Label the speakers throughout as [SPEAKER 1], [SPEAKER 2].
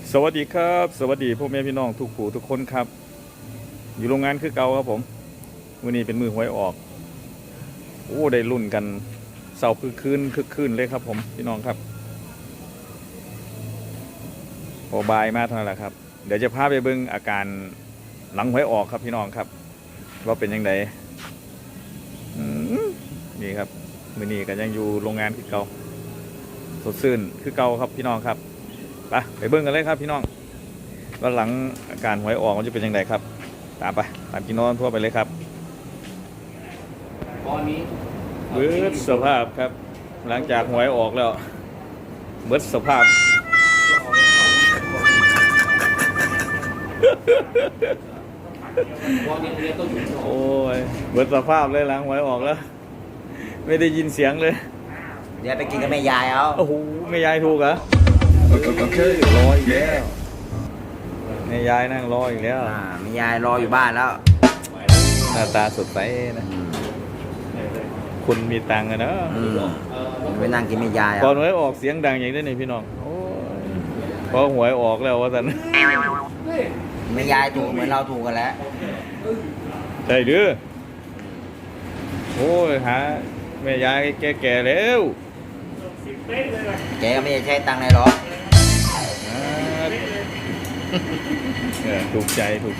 [SPEAKER 1] สวัสดีครับสวัสดีพ่อแม่พี่น้องทุกผู้ทุกคนครับอยู่โรงงานคือเก่าครับผมวันนี้เป็นมือหวยออกโอ้ได้รุ่นกันเสาร์คึกคืนเลยครับผมพี่น้องครับพอบายมาเท่านั้นแหละครับเดี๋ยวจะพาไปเบิ่งอาการหลังหวยออกครับพี่น้องครับว่าเป็นยังไงนี่ครับมื้อนี้ก็ยังอยู่โรงงานคือเก่าสดชื่นคือเก่าครับพี่น้องครับไปเบิ่งกันเลยครับพี่น้องว่าหลังอาการหวยออกมันจะเป็นยังไงครับตามพี่น้องทั่วไปเลยครับ
[SPEAKER 2] ตอนนี้
[SPEAKER 1] เบิดสภาพครับหลังจากหวยออกแล้วเบิดสภาพโอ้ยเบิดสภาพเลยหลังหวยออกแล้วไม่ได้ยินเสียงเลย
[SPEAKER 2] เดี๋ยวไปกินกับแม่ยายเอา
[SPEAKER 1] โอ้โหแม่ยายถูกเหรอรออีกแล้วแม่ยายนั่งรออีกแล้ว
[SPEAKER 2] แม่ยายรออยู่บ้านแล้ว
[SPEAKER 1] หน้าตาสดใสนะคุณมีตังค์อะเนาะ
[SPEAKER 2] ไปนั่งกินแม่ยาย
[SPEAKER 1] ก่อนหวยออกเสียงดังอย่างนี้นี่พี่น้องพอหวยออกแล้วว่าสัน
[SPEAKER 2] แม่ยายถูกเหมือนเราถูกกันแล้ว
[SPEAKER 1] ใช่ดื้อโอ้ยหาแม่ยายแก่ๆแล้ว
[SPEAKER 2] แกก็ไม่ได้ใช้ตังค์เลยหรอก
[SPEAKER 1] ถูกใจ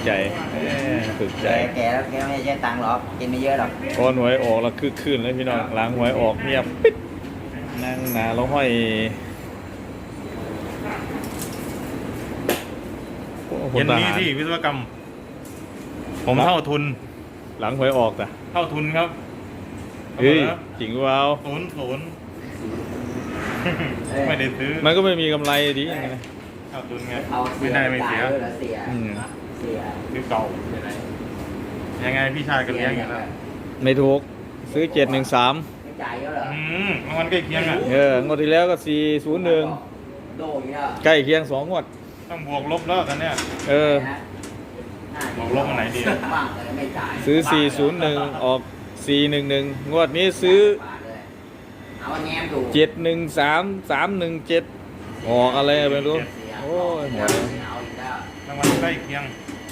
[SPEAKER 2] แกแล้วแกไม่ได้ใช้ตังค์หรอกกินไม่เยอะหรอก
[SPEAKER 1] พอหวยออกแล้วคึกคืนเลยพี่น้องหลังหวยออกเงียบปิดนั่งหนาแล้วห้อย
[SPEAKER 3] เย็นนี้ที่วิศวกรรมผมเท่าทุน
[SPEAKER 1] หลังหวยออกแต่
[SPEAKER 3] เท่าทุนครับ
[SPEAKER 1] เฮ้ยจริงว่า
[SPEAKER 3] ศูนย์ไม่ได้ซื้อ
[SPEAKER 1] มันก็ไม่มีกำไรดีไง
[SPEAKER 3] เท่าทุนไงไม่ได้ไม่เสียซื้อเก่ายังไงพี่ชายก็เลี้ยงอย่างนั้น
[SPEAKER 1] ไม่ถูกซื้อ713
[SPEAKER 3] มันใกล้เคียงอ่ะ
[SPEAKER 1] งวดที่แล้วก็401ใกล้เคียง2 งวด
[SPEAKER 3] ต้องบวกลบแล้วกันเนี่ยบวกลบอันไหนดี
[SPEAKER 1] ซื้อ401ออก411งวดนี้ซื้อ713317ออกอะไรไม่รู้โอ้ยหัวเลย
[SPEAKER 3] รางวัลใกล้เคียง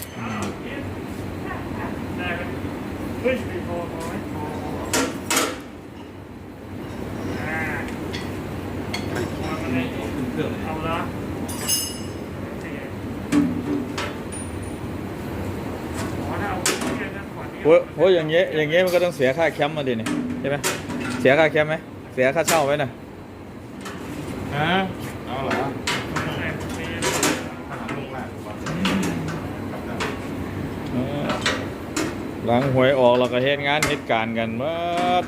[SPEAKER 1] เอาละโอ้ยอย่างเงี้ยมันก็ต้องเสียค่าแคมป์มาดิเนี่ยใช่ไหมเสียค่าแคมป์ไหมเสียค่าเช่าไหมน่ะ
[SPEAKER 3] เอาเหรอ
[SPEAKER 1] หลังหวยออกเราก็เหตุการณ์กันเมื่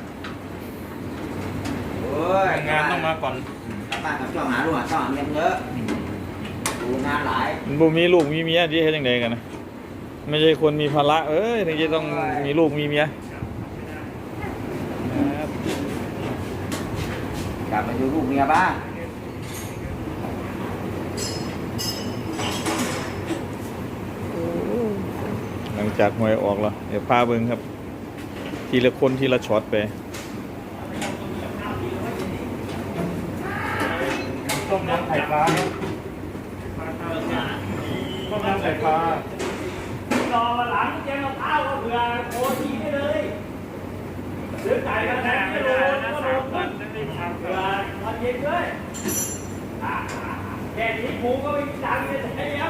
[SPEAKER 3] องานต้องมาก่อน
[SPEAKER 2] บ้านกับช่องหาลูกหาช่องเงินเยอะดูงานหลาย
[SPEAKER 1] มันบ่มีลูกมีเมียที่เฮ็ดจังไดกันนะไม่ใช่คนมีภาระถึงจะต้องมีลูกมีเมีย
[SPEAKER 2] กลับมาดูลูกเมียบ้าง
[SPEAKER 1] หลังจากหวยออกแล้วเดี๋ยวพาเบิ่งครับทีละคนทีละช็อตไป
[SPEAKER 3] ต้มยำไข่ปลาต้มยำไข่ปลารอหลังแกงมะพร้าวก็เผื่อโคทีได้เลยซื้อไก่มาแทนไม่โดนก็โดนเผื่อวันเย็นด้วยแค่นี้หมูก็ไม่มีตังค์เลยใช้แล้ว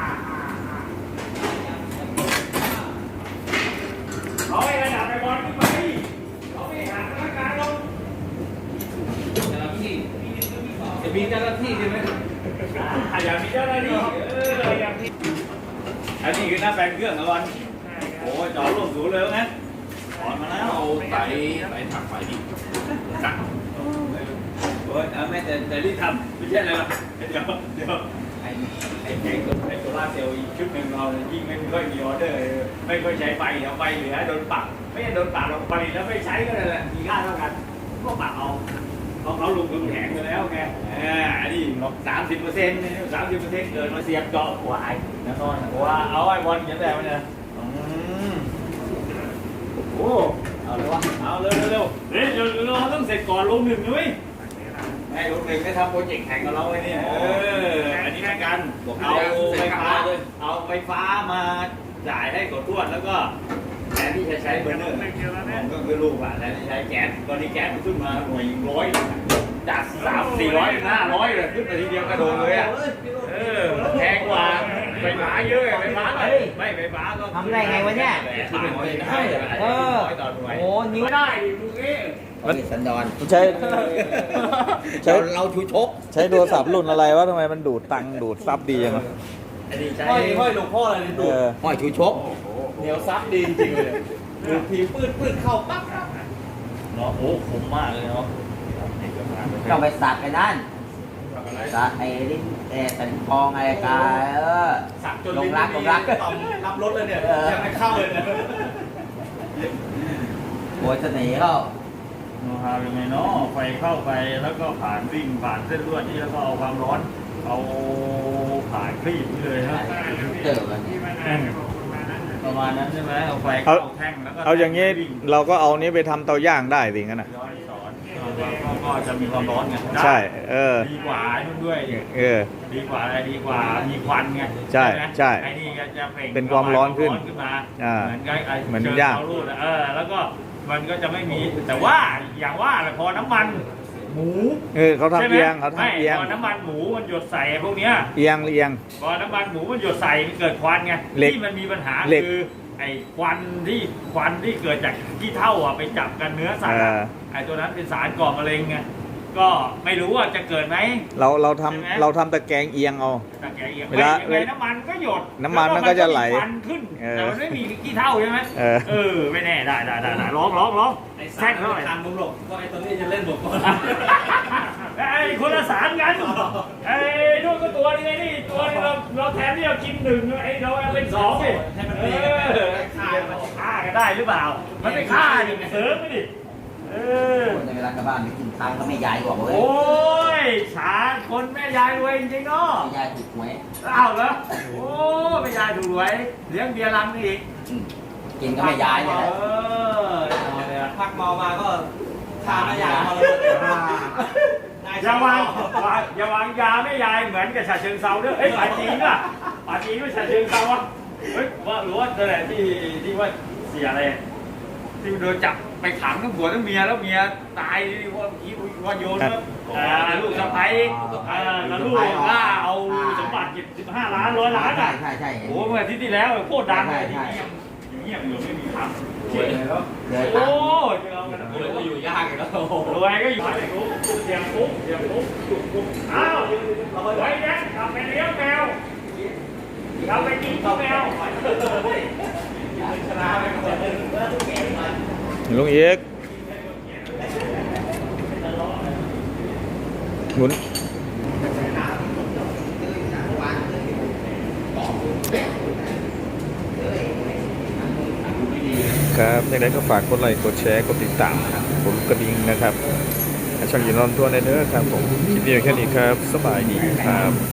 [SPEAKER 3] เขาให้ระดับไปบอลขึ้นไปเขาไม่หาพนักงานลงจะมีเจ้าหน้าที่ใช่ไหมอยากมีเจ้าหน้าที่อันนี้คือหน้าแปลงเครื่องนะวันโอ้จอดร่วมสูงเลยนะถอนมาแล้วเอาไต่ถักไฟดิตักโอ้ยไม่แต่รีบทำไม่ใช่อะไรหรอกเดี๋ยวไอ้แผงไอ้โซล่าเซลล์อีกชุดหนึ่งเรายิ่งไม่ค่อยมีออเดอร์ไม่ค่อยใช้ไฟเดี๋ยวไฟเหลือโดนปรับไม่ใช่โดนปรับเราผลิตแล้วไม่ใช้ก็เลยแหละมีค่าเท่ากันก็ปรับเอาเขาลงทุนแข็งไปแล้วไงอันนี้30%เกินมาเสียบเจาะหัวไอ้แน่นอนว่าเอาไอ้บอลยันแต่มันเนี่ยโอ้เอาเลยวะเอาเร็วเราต้องเสร็จก่อนลง 1ด้วยให้ลง 1ได้ทำโปรเจกต์แข่งกับเราไอ้นี่อันนี้เป็นการกันเอาไฟฟ้ามาจ่ายให้กดทวดแล้วก็แทนที่จะใช้เบอร์เนอร์ผมก็คือลูกอ่ะแทนที่ใช้แก๊สตอนนี้แก๊สมันขึ้นมาหน่วย100จาก300-400 500เลยขึ้นไปทีเดียวกระโดดเลยอ่ะแพงกว่าไฟฟ้าเยอะไฟฟ้าเลยไม่ไฟฟ้าก็
[SPEAKER 2] ทำได้ไงวะเนี่ย โอ้นิ้ว
[SPEAKER 3] ได้ดิลูกนี้
[SPEAKER 2] สันดอน
[SPEAKER 1] ใช้
[SPEAKER 2] เราชูชก
[SPEAKER 1] ใช้โทรศัพท์รุ่นอะไรวะทำไมมันดูดตังค์ดูดซับดีจังวะ
[SPEAKER 3] ห้อยหลวงพ่ออะไร
[SPEAKER 1] เอ
[SPEAKER 3] ดู
[SPEAKER 1] อ
[SPEAKER 2] ห้อยชูชก
[SPEAKER 3] เหนียวซับดีจริงเลยดูทีปื้ดเข้าปั๊บเนาะโอ้คมมากเลยเนาะ
[SPEAKER 2] ต้องไปสักไอ้นั่นสักไอ้ลิ้นสันคองอะไรกัน
[SPEAKER 3] สักจน
[SPEAKER 2] ลงรัก
[SPEAKER 3] รับรถเลยเนี่ยยังไม่เข้าเลยเนี่ย
[SPEAKER 2] โอ้ยเสน่ห์เขา
[SPEAKER 3] โน้ตฮาวยังไงเนาะไฟเข้าไปแล้วก็ผ่านวิ่งผ่านเส้นลวดนี่แล้วก็เอาความร้อนเอาผ่านคลีบนี่เลยฮะ
[SPEAKER 2] เจอกัน
[SPEAKER 3] ประมาณนั้นใช่ไหมเอาไฟเข้าแท่งแล้วก็
[SPEAKER 1] เอาอย่างนี้เราก็เอานี้ไปทำเตาย่างได้สิงั้นน่ะ
[SPEAKER 3] ย้อนสอนก็จะมีความร้อนไง
[SPEAKER 1] ใช่
[SPEAKER 3] ดีกว่านู่นด้วย ดีกว่าอะไรดีกว่ามีควันไง
[SPEAKER 1] ใช่ใช่
[SPEAKER 3] ไอ้นี่ก็จะเปล่ง
[SPEAKER 1] เป็นความร้อนขึ้น
[SPEAKER 3] มา เหมือนกับไอ้
[SPEAKER 1] เหมือน
[SPEAKER 3] เชิญ
[SPEAKER 1] ย่าง
[SPEAKER 3] เตารูดแล้วก็มันก็จะไม่มีแต่ว่าอย่างว่าแหละพอน้ำมันหมู
[SPEAKER 1] เขาทำ
[SPEAKER 3] ใช่ไหม
[SPEAKER 1] เอียงเขาทำเอียง
[SPEAKER 3] พอน้ำมันหมูมันหยดใส่พวกเนี้ย
[SPEAKER 1] เอียง
[SPEAKER 3] พอน้ำมันหมูมันหยดใส่มันเกิดควันไง
[SPEAKER 1] เหล็ก
[SPEAKER 3] ที่มันมีปัญหา
[SPEAKER 1] เหล็ก
[SPEAKER 3] คือไอ้ควันที่เกิดจากขี้เถ้าอ่ะไปจับกันเนื้อสัตว์อะไอ้ตัวนั้นเป็นสารก่อมะเร็งไงก็ไม่รู้ว่าจะเกิดไหม
[SPEAKER 1] เรา
[SPEAKER 3] ใช่ไหม
[SPEAKER 1] เราทำตะแกรงเอียงเอา
[SPEAKER 3] ตะแกรงเอียง
[SPEAKER 1] เวลา
[SPEAKER 3] ยังไงน้ำมันก็หยด
[SPEAKER 1] น้ำมันมันก็จะไหล
[SPEAKER 3] แล้วมันก็มีควันขึ้นแต่มันไม่มีขี้เถ้าใช่ไหม
[SPEAKER 1] เออ
[SPEAKER 3] ไม่แน่ได้ร้องแท่งเท่าไหร่
[SPEAKER 4] ทางมึงหรอกก็ไอ้ตัวนี้จะเล่นหมดก่อน
[SPEAKER 3] ไอ้คนละสารกันไอ้นู่นก็ตัวนึงไอ้นี่ตัวนึงเราแทนที่เรากินหนึ่งไอ้เราเอาเป็นสองดิ
[SPEAKER 4] ให้มันตีกันไปฆ่ากัน
[SPEAKER 3] ฆ่ากันได้หรือเปล่า มันไม่ฆ่าดิเสริมไปดิ
[SPEAKER 2] ในเวลากลับบ้านไปกินทางก็ไม่ยายบอกเว้ย
[SPEAKER 3] โอ้ยฉาคนแม่ยายรวยจริงๆเนาะ
[SPEAKER 2] ไม่ยายถูกหวย
[SPEAKER 3] อ้าวเหรอโอ้แม่ยายถูกรวยเลี้ยงเบียร์ลังนี่อีก
[SPEAKER 2] กินก็ไม่ยายเนี่ยแหละ
[SPEAKER 3] เอาเลยอะ
[SPEAKER 4] พักเมามาก็ฆ่าแม่ยายมาเลย
[SPEAKER 3] อย่าวางยาแม่ยายเหมือนกับฉะเชิงเซาด้วยเฮ้ยป่าจีนป่ะป่าจีนไม่ฉะเชิงเซาอ่ะเฮ้ยว่าหรือว่านั่นแหละที่ว่าเสียอะไรที่โดนจับไปขังทั้งผัวทั้งเมียแล้วเมียตายว่าโยนแล้วลูกสะใภ้แล้วลูกล่าเอาสมบัติ15 ล้าน100 ล้านอ่ะ
[SPEAKER 2] ใช่
[SPEAKER 3] โอ้เมื่ออาทิตย์ที่แล้วโคตรดังเลยที่เงียบอยู่ไม่มีทำรวยเลยแล้ว
[SPEAKER 2] เลย
[SPEAKER 3] โอ้
[SPEAKER 2] ครับ
[SPEAKER 3] ยเรากัน
[SPEAKER 4] รวยก็อยู่ยากอีกแล้ว
[SPEAKER 3] รวยก็อยู่ในคุกเสียงคุกอ้าวไว้แดงกลับไปเลี้ยงแมวกลับไปกินข้าวแมว
[SPEAKER 1] ลุงเอกหมุนครับในนั้นก็ฝากกดไลค์กดแชร์กดติดตามกดกระดิ่งนะครับช่องยินรอนตัวในเด้อครับผมคลิปนี้แค่นี้ครับสบายดีครับ